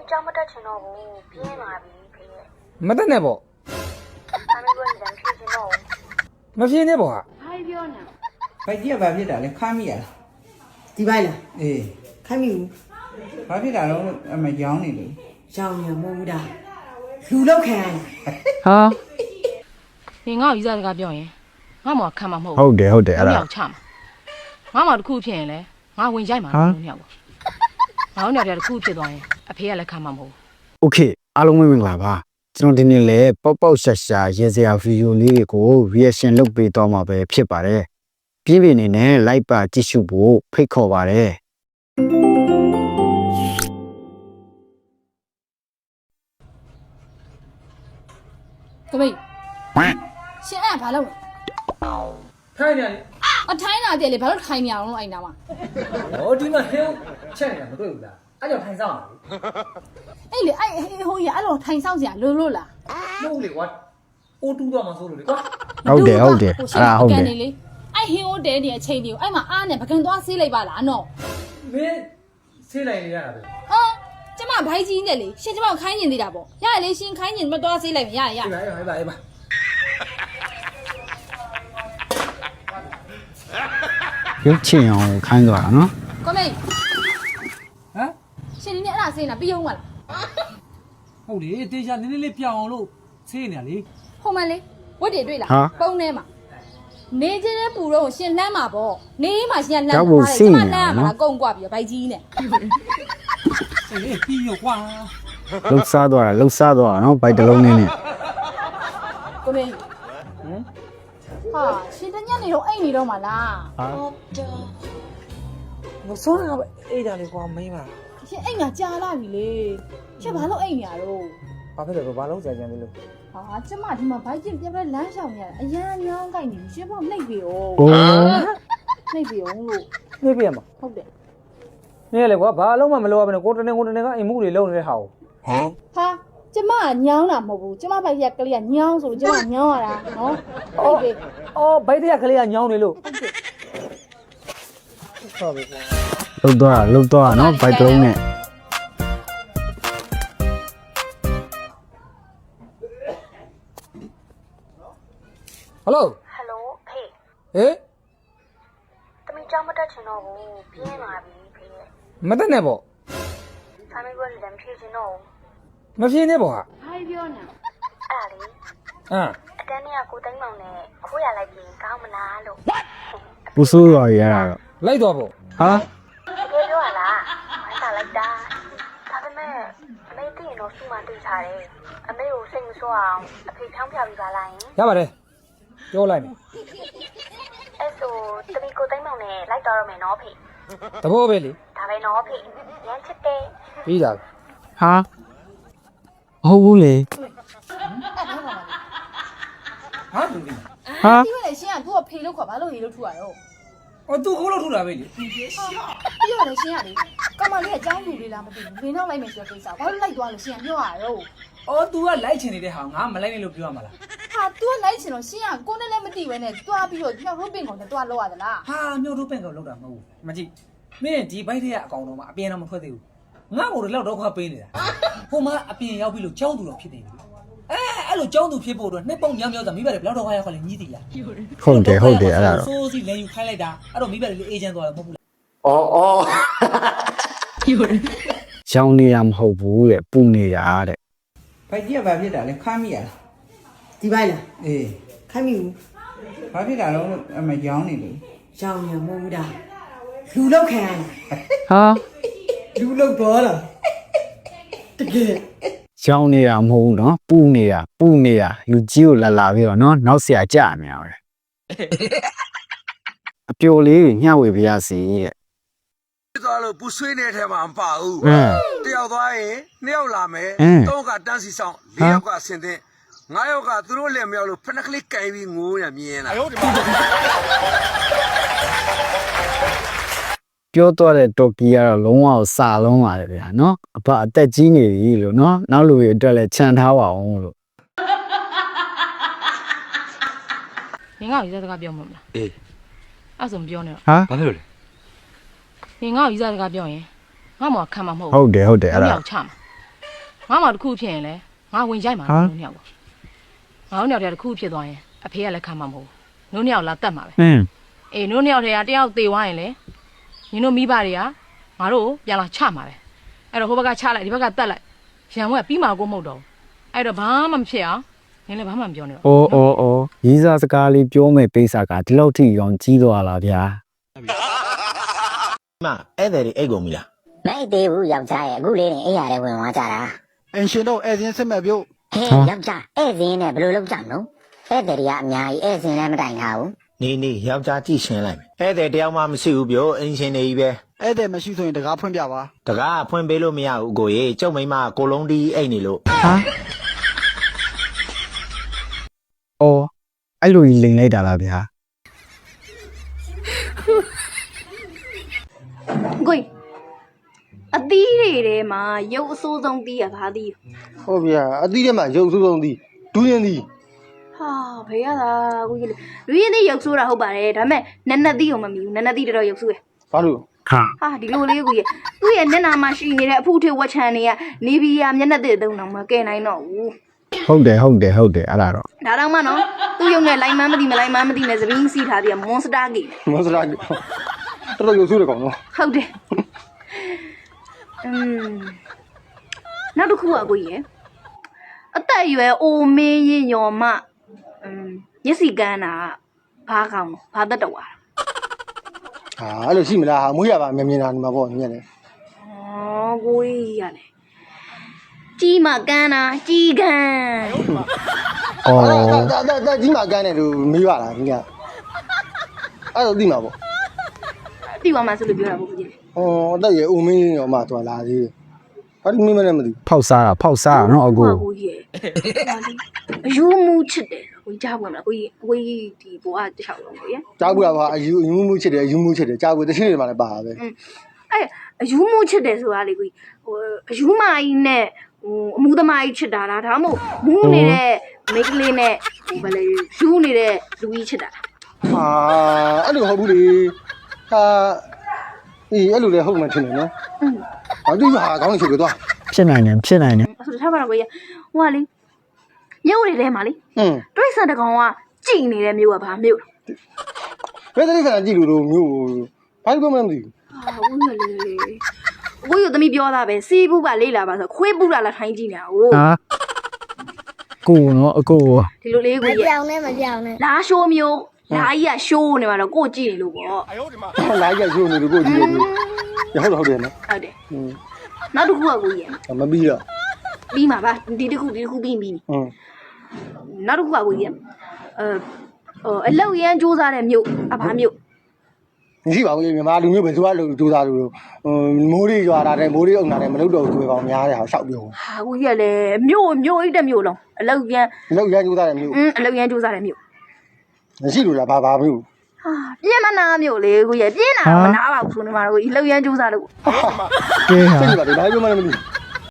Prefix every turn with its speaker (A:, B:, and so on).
A: ကြောင်မတက်ချင်တော့ဘူးပြင်းလာပြီဖေရဲ့
B: မတက်နဲ့ပေါ့
A: အမေကလည်းဖြေချင်တော့
B: မဖြေနဲ့ပေါ့ဟာ
A: ဘာပြောနေ
C: ဘိုက်ကြီးကဘာဖြစ်တာလဲခမ်းမိရလား
D: ဒီပိုင်းလား
C: အေး
D: ခိုင်းမိဘူး
C: ဘာဖြစ်တာတော့အမရောင်းနေလို့
D: ရောင်ရမဟုတ်ဘူးဒါလူလောက်ခံရတာ
E: ဟာ
F: 你我一直在表演，我冇看嘛冇。
E: ဟုတ်တယ်ဟုတ်တယ်အဲ့ဒါ
F: 我唱嘛，我冇酷片嘞，我问一下嘛，我鸟不，我鸟的酷片多耶，啊片来看嘛冇。
E: โอเคအားလုံးမင်္ဂလာပါကျွန်တော်ဒီနေ့လဲပေါက်ပေါက်ရှာရှာရေစရာဗီဒီယိုလေးတွေကို reaction လုပ်ပေးတော့မှာပဲဖြစ်ပါတယ်ပြင်းပြင်းနေနဲ့ like ပါကြည့်ရှုဖို့ဖိတ်ခေါ်ပါတယ်
G: ကမေးရှင်အဲ့ဘာလုပ်လဲ
B: ထိုင်နေလေ
G: အထိုင်းလာတဲ့လေဘာလို့ထိုင်းနေအောင်လို့အဲ့နာမှာ
B: ဟောဒီမှာဟင်းချက်နေတာမတွေ့ဘူးလားအဲ့ကြောင့်ထိုင်ဆောင်တာ
G: အဲ့လေအဲ့ဟိုကြီးအဲ့လိုထိုင်းဆောင်စရာလို့လို့လား
B: လေမဟုတ်လေကွာအိုးတူးတော့မှဆိုလို့လေကွာ
E: ဟုတ်တယ်ဟုတ်တယ်အဲ့ဒါဟုတ်တယ်
G: လေအဲ့ဟင်းဟိုတဲနေအချိန်တွေကိုအဲ့မှာအားနဲ့ပကံသွားဆေးလိုက်ပါလားနော်
B: မင်းဆေးလိုက်နေရတာပဲ
G: ဟာကျမဘိုက်ကြီးနဲ့လေရှင်ကျမကိုခိုင်းနေသေးတာပေါ့ရရလေရှင်ခိုင်းနေမသွားဆေးလိုက်မရရ
B: အေးပါအေးပါအေးပါ
E: ရုပ်ချင်အောင်ခိုင်းသွားတာနော်
G: ကမေး
B: ဟမ်
G: ရှင်ဒီနေ့အဲ့ဒါဆေးနေတာပြီးအောင်မလား
B: ဟုတ်လေတေချာနည်းနည်းလေးပြောင်းအောင်လို့ဆေးနေလေ
G: ဟိုမလေးဝတ်တွေတွေ့လားပုံထဲမှာနေချင်းတဲ့ပူတော့ရှင်လမ်းမှာပေါ့နေမှာရှင်လမ်းမှာကျမလမ်းမှာကုန်းကွာပြီးဘိုက်ကြီးနဲ့
B: အေးပြီးရောကွာ
E: လှုပ်ရှားသွားတာလှုပ်ရှားသွားတာနော်ဘိုက်တစ်လုံးနဲ့
G: ကိုမေဟာရှင်တညနေတော့အိတ်နေတော့မလား
E: ဟာ
C: မစိုးတာပဲအေးတာလေကွာမင်းပါ
G: ရှင်အိတ်ညာကြာလာပြီလေရှင်ဘာလို့အိတ်နေရတော့
C: ဘာဖြစ်လဲဘာလုံးကြကြမ်းလဲလို့
G: ဟာကျမဒီမှာဘိုက်ကျင်ပြပြလမ်းရှောင်နေရအရန်ညောင်းကြိုက်နေရှင်ဘောနှိပ်ပြီ哦
E: အိုး
G: နှိပ်ပြီအောင်လို့
C: နေပြရမှာ
G: ဟုတ်တယ်
B: နေလေကွာဘာလုံးမမလိုရဘဲနဲ့ကိုတနေကအိမ်မှုတွေလုံးနေတဲ့ဟာကို
G: ဟာကျမညောင်းတာမဟုတ်ဘူးကျမဘိုက်ကကလေးကညောင်းဆိုလို့ကျမညောင်းရတာနော်ဟုတ်ပြီ
B: အော်ဘိုက်တရကလေးကညောင်းနေလို့
C: ဟုတ်ပြီကွာ
E: လှုပ်သွားတာလှုပ်သွားတာနော်ဘိုက်တစ်လုံးနဲ့
B: ဟယ်လို
A: ဟယ်လိုဖေ
B: ဟေး
A: တမီကြောင်မတက်ချင်တော့ဘူးပြင်းလာပြီဖေရဲ့
B: မတက်နဲ့ပေါ့
A: အမေကလည်းဖြေချင်တော့
B: မဖြေနဲ့ပေါ့ဟာ
A: ဘာပြောနေအဲ့ဒါလေ
B: ဟမ်
A: အတန်းเนี่ยကိုသိန်းမောင်နဲ့ခိုးရလိုက်ပြီးကောင်းမလားလို့
E: ပူဆိုးသွားရတာတော့
B: လိုက်တော့ပေါ့
E: ဟာ
A: တကယ်ပြောရလားဝမ်းသာလိုက်တာဒါပေမဲ့အမေသိရင်တော့စုမှတွေ့ထားတယ်အမေကိုစိတ်မဆိုးအောင်အဖေဖြောင်းပြပြီးပါလားယင်
B: ရပါတယ်ပြောလိုက်မယ်
A: အဲ့ဆိုတမီကိုသိန်းမောင်နဲ့လိုက်တော့ရမယ်နော်ဖေ
B: တဘောပဲလေ
A: ဒါပဲနော်ဖေရမ်းချစ်တယ်
B: ပြီးတာ
E: ဟာဟုတ်ဘူးလေ
B: ဟာလူလေး
E: ဟာ
G: ဒီမဲ့ရှင်ကသူ့ကိုဖေလို့ခေါ်ဘာလို့ဟေလို့ထူရတော့
B: အော်သူခိုးလို့ထူတာပဲလေ
G: ပြီးတော့လေရှင်ကလေကမလေးကចောင်းလူလေးလားမသိဘူးလင်းတော့လိုက်မယ်ဆိုတဲ့ကိစ္စဘာလို့လိုက်သွားလို့ရှင်ကပြောရတော့
B: အော် तू ကလိုက်ချင်နေတဲ့ဟာငါမလိုက်နဲ့လို့ပြောရမှာလား
G: ဟာ तू ကလိုက်ချင်တော့ရှင်ကကိုနဲ့လည်းမသိဘဲနဲ့တွားပြီးတော့ညောက်ရုပ်ပင်ကောင်နဲ့တွားလောက်ရသလား
B: ဟာမြို့တို့ပင့်ကောလောက်တာမဟုတ်ဘူးမကြည့်မင်းဒီဘိုက်တွေကအကောင်တော့မှအပြင်တော့မထွက်သေးဘူးငါ့ကိုတော့လောက်တော့ခါပေးနေတာဟိုမှာအပြင်ရောက်ပြီလို့ကြောင်းသူတော့ဖြစ်နေပြီအဲ့လိုကြောင်းသူဖြစ်ဖို့တော့နှစ်ပုံမြောက်မြောက်သာမိဘတွေဘယ်တော့ခါရောက်ခါလဲညီးသေးလား
E: ဟုတ်တယ်ဟုတ်တယ်အဲ့ဒါတော့
B: ဆိုးစီလဲယူခိုင်းလိုက်တာအဲ့တော့မိဘတွေလေးအေဂျင့်သွားတာမဟုတ်ဘူးလား
E: ရောင်နေရမဟုတ်ဘူးတဲ့ပူနေရတဲ့
C: ဘိုက်ကြီးကဘာဖြစ်တာလဲခမ်းမိရလား
D: ဒီပိုင်းလား
C: အေး
D: ခိုင်းမိဘူး
C: ဘာဖြစ်တာတော့အမရောင်းနေလို့
D: ရောင်ရမဟုတ်ဘူးဒါလူလောက်ခံရတာ
E: ဟာ
D: လူလောက်သွားတာတကယ်
E: ရောင်နေရမဟုတ်ဘူးနော်ပူနေရလူကြီးကိုလာပြီးတော့နော်နောက်ဆရာကြအများပဲအပျော်လေးညှဝေပြရစီတဲ့
H: သွားလို့ပူဆွေးနေတဲ့ထဲမှာမပါဘူးတယောက်သွားရင်နှစ်ယောက်လာမယ်သုံးကတန်းစီဆောင်လေးယောက်ကဆင်တဲ့ငါးယောက်ကသူတို့လည်းမရောက်လို့ဖနက်ကလေးကင်ပြီးငိုးရမြင်လာ
E: ပြောတော့တဲ့တော်ကီကတော့လုံးဝစာလုံးပါတယ်ဗျာနော်အဖအသက်ကြီးနေပြီလို့နော်နောက်လူတွေအတွက်လည်းခြံထားပါအောင်လို့
F: 你我一直在表么啦？
H: အေး
F: 啊怎么表呢？
E: ဟာ
H: ဘာဖြစ်လို့လဲ
F: 你我一直在表演，我冇看嘛冇。
E: ဟုတ်တယ်အဲ့ဒါ
F: 鸟唱嘛， ငါမှတစ်ခုဖြစ်ရင်လဲငါဝင်ကြိုက်မှာလို့နှစ်ယောက်ပေါ့ငါတို့နှစ်ယောက်တည်းတစ်ခုဖြစ်သွားရင်အဖေကလည်းခံမှာမဟုတ်ဘူးတို့နှစ်ယောက်လာတတ်မှာပဲအေးတို့နှစ်ယောက်တည်းကတယောက်သေသွားရင်လဲညီတို့မိဘတွေကငါတို့ပြန်လာချမှာပဲအဲ့တော့ဟိုဘက်ကချလိုက်ဒီဘက်ကတတ်လိုက်ရန်ဝက်ပြီးမှကိုမဟုတ်တော့အဲ့တော့ဘာမှမဖြစ်အောင်နင်လည်းဘာမှမပြောနဲ့တော့
E: အော်ရေးစားစကားလေးပြောမယ်ပိတ်စာကဒီလောက်ထိရောကြီးသွားလားဗျာ
I: မဧည့်သည်တွေအိတ်ကုန်ပြီလား
J: မအိတ်သေးဘူးယောက်ျားရဲ့အခုလေးနေအိမ်ရတဲ့ဝင်သွားကြတာ
I: အင်ရှင်တို့ဧည့်စဉ်စစ်မဲ့ပြုတ်
J: ဟဲ့ယောက်ျားဧည့်စဉ်နဲ့ဘယ်လိုလုပ်ကြမလို့ဧည့်သည်တွေကအများကြီးဧည့်စဉ်လည်းမတိုင်ထားဘူး
I: နေယောက်ျားကြည့်ရှင်းလိုက်မယ်ဧည့်သည်တယောက်မှမရှိဘူးပြောအင်ရှင်တွေကြီးပဲ
C: ဧည့်သည်မရှိဆိုရင်တကားဖွင့်ပြပါ
I: တကားဖွင့်ပေးလို့မရဘူးကိုကြီးကျုပ်မိမကိုလုံးတီးအိတ်နေလို့
E: အော်အဲ့လိုကြီးလိန်လိုက်တာလားဗျာ
G: ကိုအသီးတွေထဲမှာရုပ်အဆိုးဆုံးသီးရဘာသီး
D: ဟုတ်ဗျာအသီးထဲမှာရုပ်ဆိုးဆုံးသီးဒူးရင်သီး
G: ဟာဘေးရတာကိုကြီးလူရင်းသီးရုပ်ဆိုးတာဟုတ်ပါတယ်ဒါပေမဲ့နက်နက်သီးကိုမမီဘူးနက်နက်သီးတော်ရုပ်ဆိုးရ
D: ဘာလို့
G: ဟာဒီလိုလေးကိုကြီးသူ့ရဲ့မျက်နှာမှာရှိနေတဲ့အဖုထေဝက်ချန်တွေကနေဘီယာမျက်နှာသစ်သုံးတော့မကဲနိုင်တော့ဘူး
E: ဟုတ်တယ်အဲ့ဒါတော့
G: ဒါတော့မှနော်သူ့ရုံနဲ့လိုင်းမန်းမသိမလိုင်းမန်းမသိနဲ့သပင်းစီးထားသေးတယ်မွန်စတာဂိမ်း
D: မွန်စတာတော်တော်ရုပ်ဆိုးတယ်ကောင်နော်
G: ဟုတ်တယ်နောက်တစ်ခုကကိုကြီးရယ်အသက်အရွယ်အိုမင်းရင်ညော်မမျက်စိကန်းတာဘာကောင်းဘာသက်တော်ဟာ
D: အဲ့လိုရှိမလားဟာမွေးရပါမြင်နေတာဒီမှာပေါ့မြင်တယ်
G: ဩကိုကြီးရတယ်ကြီးမကန်းတာကြီးကန်း
D: ဒါကြီးမကန်းတယ်လို့မေးရတာခင်ဗျအဲ့တော့သိမှာပေါ့
G: သိပါမှဆိုလို့ပြောတာပေါ့ကိုကြီး
D: အသက်ရဲ့အိုမင်းရောမှသွားလာသေးတယ်ဘာလို့မင်းမနဲ့မသိ
E: ဖောက်စားတာနော်အကို
G: ကိုကြီးအယူမူချစ်တယ်ကိုကြားပွင့်မလားကိုကြီးဒီဘောကတခြားလုံးကိုကြီး
D: ကြားပွင့်ပါအယူမူချစ်တယ်ကြားပွင့်တချင်းတွေမှလည်းပါပဲ
G: အဲ့အယူမူချစ်တယ်ဆိုတာလေကိုကြီးအယူမကြီးနဲ့အမှုသမားကြီးချစ်တာလားဒါမှမဟုတ်မူးနေတဲ့မိန်းကလေးနဲ့ဘာလဲယူနေတဲ့လူကြီးချစ်တာလား
D: အဲ့လိုဟုတ်ဘူးလေအဲ့လိုလည်းဟုတ်မှထင်တယ်နော်ဘာလို့ဟာကောင်းနေချင်ကြတော့
E: ဖြစ်နိုင်တယ်
G: ဆိုတော့ထားပါတော့ကိုကြီးဟိုကလေမြို့တွေထဲမှာလေတွိတ်ဆန်တကောင်ကကြည်နေတဲ့မြို့ကဘာမြို့
D: ဘယ်တည်းဆန်ကြည်လို့မြို့ဘာလို့မှမသိ
G: ဘူးဟုတ်လေကိုကြီးသမီးပြောတာပဲစီးဘူးပါလေးလာပါဆိုခွေးပူတာလားထိုင်းကြည့်နေတာဟုတ်
E: ကိုနော်အကို
G: ဒီလိုလေးကိုကြီးမပြောင်းနဲ့လားရှိုးမျိုးလာကြီးကရှိုးနေမှာတော့ကိုကြည့်နေလို့ပေါ့
D: လာကြီးကရှိုးနေလို့ကိုကြည့်နေလို့ဟုတ်တယ်နော်
G: ဟုတ်တယ်နောက်တစ်ခုကကိုကြီး
D: မပြီးတော့
G: ပြီးမှာပါဒီတစ်ခုပြီးနောက်တစ်ခုကကိုကြီးအလောက်ရန်စူးစမ်းတဲ့မြို့အဘာမြို့
D: မရှိပါဘူးမြန်မာလူမျိုးပဲသူကလူစူးစမ်းလို့မိုးရီရွာတာတဲ့မိုးရီအုံတာတဲ့မလုပ်တော့ဘူးဆိုပေကောင်များတယ်ဟာရှောက်ပြော
G: ဟာကိုကြီးကလည်းမြို့အိတ်တဲ့မြို့လုံးအလောက်ရန်
D: စူးစမ်းတဲ့မြို့
G: အလောက်ရန်စူးစမ်းတဲ့မြို့
D: မရှိလို့လားဘာမျိုး
G: ဟာပြင်းမနာမြို့လေကိုကြီးပြင်းတာမနာပါဘူးဆိုနေမှာကိုကြီးလှုပ်ရမ်းစူးစမ်းလို့
E: ကဲဟာ
D: စိတ်ပါလေဘာပြောမှလည်းမသိ